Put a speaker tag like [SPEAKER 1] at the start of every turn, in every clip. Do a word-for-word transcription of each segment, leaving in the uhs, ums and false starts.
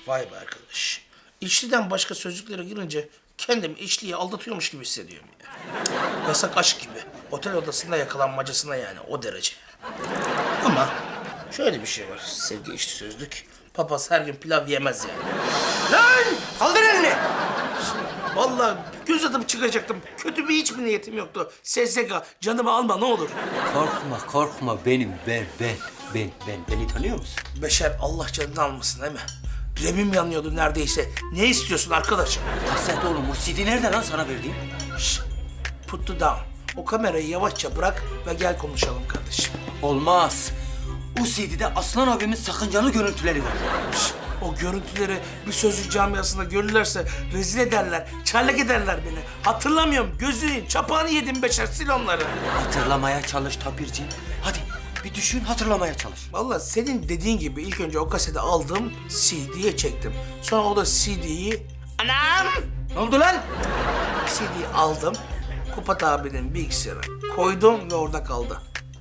[SPEAKER 1] Vay be arkadaş. İçliden başka sözcüklere girince kendimi içliyi aldatıyormuş gibi hissediyorum ya. Yasak aşk gibi. Otel odasında yakalanmacasına yani o derece. Ama şöyle bir şey var sevgili içli sözlük. Papaz her gün pilav yemez yani.
[SPEAKER 2] Lan! Kaldır elini!
[SPEAKER 1] Vallahi göz atıp çıkacaktım. Kötü bir hiç mi niyetim yoktu. S S K canımı alma ne olur.
[SPEAKER 2] Korkma, korkma benim. Ben, ben, ben, ben. Beni tanıyor musun?
[SPEAKER 1] Beşer Allah canını almasın değil mi? Remim yanıyordu neredeyse. Ne istiyorsun arkadaşım?
[SPEAKER 2] Kaset oğlum, o C D nerede lan sana verdiğim?
[SPEAKER 1] Şşt, put the down. O kamerayı yavaşça bırak ve gel konuşalım kardeşim.
[SPEAKER 2] Olmaz. O C D'de Aslan abimin sakıncalı görüntüleri var.
[SPEAKER 1] Şşt, o görüntüleri bir sözlük camiasında görürlerse rezil ederler, çarlık ederler beni. Hatırlamıyorum, gözünün çapağını yedim Beşer, sil onları.
[SPEAKER 2] Hatırlamaya çalış Tapirciğim. Hadi bir düşün, hatırlamaya çalış.
[SPEAKER 1] Vallahi senin dediğin gibi ilk önce o kaseti aldım, C D'ye çektim. Sonra o da C D'yi... Anam!
[SPEAKER 2] Ne oldu lan?
[SPEAKER 1] C D'yi aldım, Kupat abinin bilgisayarına koydum ve orada kaldı.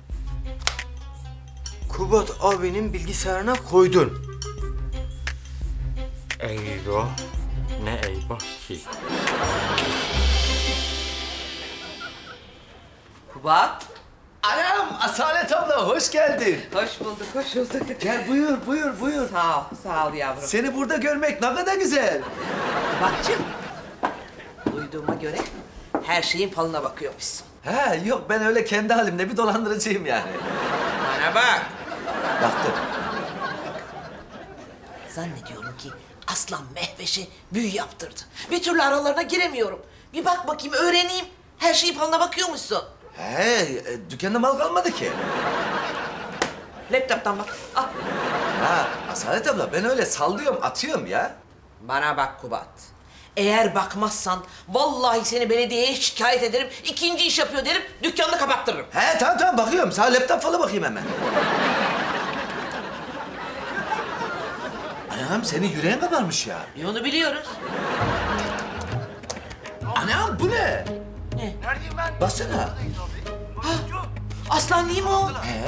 [SPEAKER 2] Kubat abinin bilgisayarına koydun.
[SPEAKER 3] Eyvah. Ne eyvah ki?
[SPEAKER 4] Kubat.
[SPEAKER 5] Anam, Asalet abla hoş geldin.
[SPEAKER 4] Hoş bulduk, hoş bulduk.
[SPEAKER 5] Gel buyur, buyur, buyur.
[SPEAKER 4] Sağ ol, sağ ol yavrum.
[SPEAKER 5] Seni burada görmek ne kadar güzel.
[SPEAKER 4] Kubat'cığım, duyduğuma göre her şeyin falına bakıyormuşsun.
[SPEAKER 5] Ha yok ben öyle kendi halimde bir dolandırıcıyım yani.
[SPEAKER 4] Bana bak.
[SPEAKER 5] Baktım.
[SPEAKER 4] Zannediyorum ki Aslan Mehveş'e büyü yaptırdı. Bir türlü aralarına giremiyorum. Bir bak bakayım, öğreneyim. Her şeyin falına bakıyormuşsun.
[SPEAKER 5] He, e, dükkanda mal kalmadı ki.
[SPEAKER 4] Laptop'tan bak. Al.
[SPEAKER 5] Ha, Asalet abla ben öyle sallıyorum, atıyorum ya.
[SPEAKER 4] Bana bak Kubat. Eğer bakmazsan vallahi seni belediyeye şikayet ederim. İkinci iş yapıyor derim, dükkanını kapattırırım.
[SPEAKER 5] He tamam tamam bakıyorum. Sana laptop falan bakayım hemen. Anam senin yüreğin kabarmış ya.
[SPEAKER 4] E onu biliyoruz.
[SPEAKER 5] Anam bu ne?
[SPEAKER 4] Ne?
[SPEAKER 5] Baksana.
[SPEAKER 4] Aslan değil mi o?
[SPEAKER 5] He.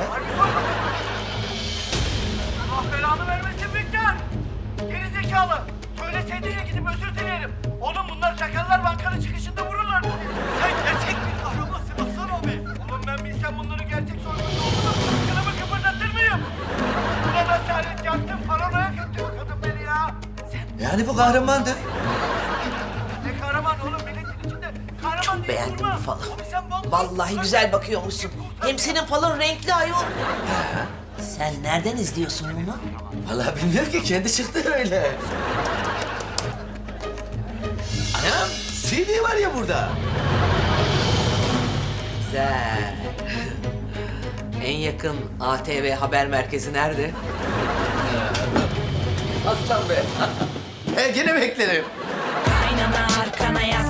[SPEAKER 6] Allah belanı vermesin Bükkan! Geri zekalı! Söyleseydin ya gidip özür dilerim. Oğlum bunlar çakallar bankanın çıkışında vururlar bizi. Sen gerçek bir kahraman Aslan abi. Oğlum ben bilsem bunların gerçek sorumlusu olduğunu kılımı kıpırdatır mıyım? Ulan asalet yaktım, paranoya götürüyor kadın beni ya. Sen
[SPEAKER 5] Yani bu kahramandır.
[SPEAKER 6] ne kahraman oğlum milletin içinde kahraman
[SPEAKER 4] Çok
[SPEAKER 6] diye
[SPEAKER 4] beğendim
[SPEAKER 6] durma.
[SPEAKER 4] bu falı.
[SPEAKER 6] Abi sen vallahi...
[SPEAKER 4] Vallahi güzel bakıyormuşsun. Hem senin falın renkli ayol. Sen nereden izliyorsun bunu?
[SPEAKER 5] Vallahi bilmiyorum ki kendi çıktı öyle. Anam C D var ya burada.
[SPEAKER 4] Güzel. En yakın A T V haber merkezi nerede?
[SPEAKER 5] Aslan be. He gene beklerim.
[SPEAKER 7] Kaynana arkana yaslan.